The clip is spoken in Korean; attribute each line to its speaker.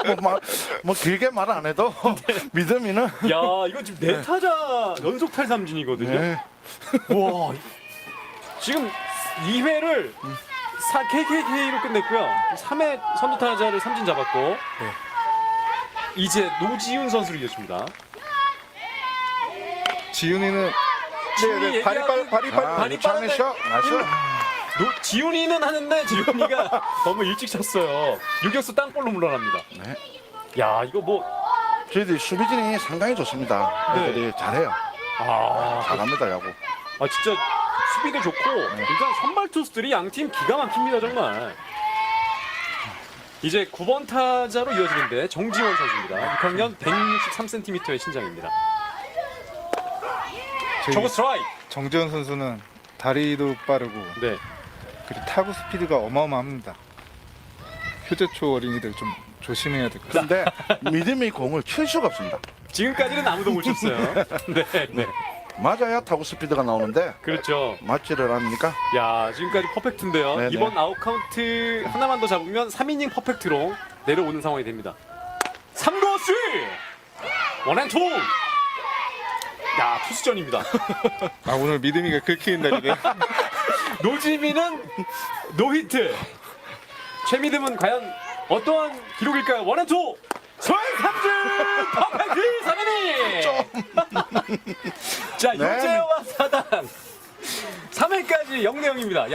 Speaker 1: 뭐 길게 말 안 해도 믿음이는
Speaker 2: 야, 이거 지금 네 타자 연속 탈삼진이거든요.
Speaker 1: 네.
Speaker 2: 와, 지금 2회를 KKK로 끝냈고요. 3회 선두 타자를 삼진 잡았고 이제 노지훈 선수를 이겼습니다.
Speaker 3: 지훈이는
Speaker 2: 지훈이
Speaker 3: 발이
Speaker 2: 발이
Speaker 1: 차는
Speaker 2: 빠른데
Speaker 1: 샷 나이스.
Speaker 2: 지훈이는 하는데 지훈이가 너무 일찍 쳤어요. 유격수 땅볼로 물러납니다.
Speaker 1: 네.
Speaker 2: 야, 이거 뭐
Speaker 1: 저희들이 수비진이 상당히 좋습니다.
Speaker 2: 네.
Speaker 1: 애들이 잘해요. 잘합니다 야구.
Speaker 2: 진짜 수비도 좋고 일단 선발 투수들이 양팀 기가 막힙니다 정말. 이제 9번 타자로 이어지는데 정지원 선수입니다. 6학년 163cm의 신장입니다. 저거 스트라이크.
Speaker 3: 정재현 선수는 다리도 빠르고
Speaker 2: 네.
Speaker 3: 그리고 타구 스피드가 어마어마합니다. 효재초 어린이들 좀 조심해야 될 것 같아요.
Speaker 1: 근데 믿음이 공을 칠 수가 없습니다.
Speaker 2: 지금까지는 아무도 못 쳤어요. 네, 네.
Speaker 1: 맞아야 타구 스피드가 나오는데
Speaker 2: 그렇죠.
Speaker 1: 맞지를 않으니까.
Speaker 2: 야, 지금까지 퍼펙트인데요.
Speaker 1: 네네.
Speaker 2: 이번 아웃 카운트 하나만 더 잡으면 3이닝 퍼펙트로 내려오는 상황이 됩니다. 3루 3! 원앤투! 야, 투수전입니다.
Speaker 3: 오늘 믿음이가 긁히는 날이네.
Speaker 2: 노지민은 노히트. 최미듬은 과연 어떠한 기록일까요? 원앤투! 손삼진! 퍼펙트 3이닝! 자,
Speaker 1: 네.
Speaker 2: 유재와 사단 3회까지 0대 0입니다.